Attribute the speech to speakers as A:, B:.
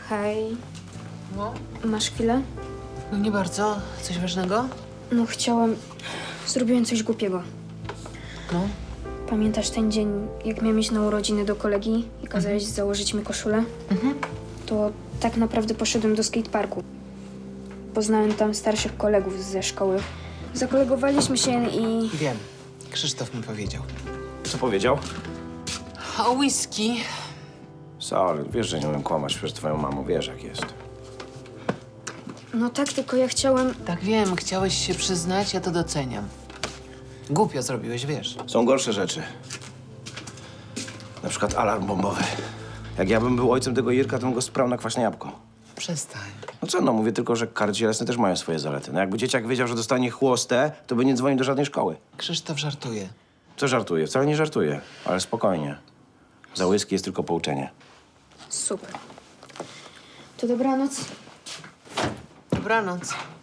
A: Hej,
B: No?
A: masz chwilę?
B: No nie bardzo. Coś ważnego?
A: No chciałam... Zrobiłem coś głupiego.
B: No?
A: Pamiętasz ten dzień, jak miałem iść na urodziny do kolegi i kazałeś założyć mi koszulę? To tak naprawdę poszedłem do skateparku. Poznałem tam starszych kolegów ze szkoły. Zakolegowaliśmy się i...
B: Wiem. Krzysztof mi powiedział.
C: Co powiedział?
B: O whisky.
C: Sal, wiesz, że nie umiem kłamać przed twoją mamą, wiesz jak jest.
A: No tak, tylko ja chciałem...
B: Tak wiem, chciałeś się przyznać, ja to doceniam. Głupio zrobiłeś, wiesz.
C: Są gorsze rzeczy. Na przykład alarm bombowy. Jak ja bym był ojcem tego Jirka, to bym go sprał na kwaśne jabłko.
B: Przestań.
C: No co, no mówię tylko, że kary cielesne też mają swoje zalety. No jakby dzieciak wiedział, że dostanie chłostę, to by nie dzwonił do żadnej szkoły.
B: Krzysztof żartuje.
C: Co żartuje? Wcale nie żartuje, ale spokojnie. Za whisky jest tylko pouczenie.
A: Super. To dobranoc.
B: Dobranoc.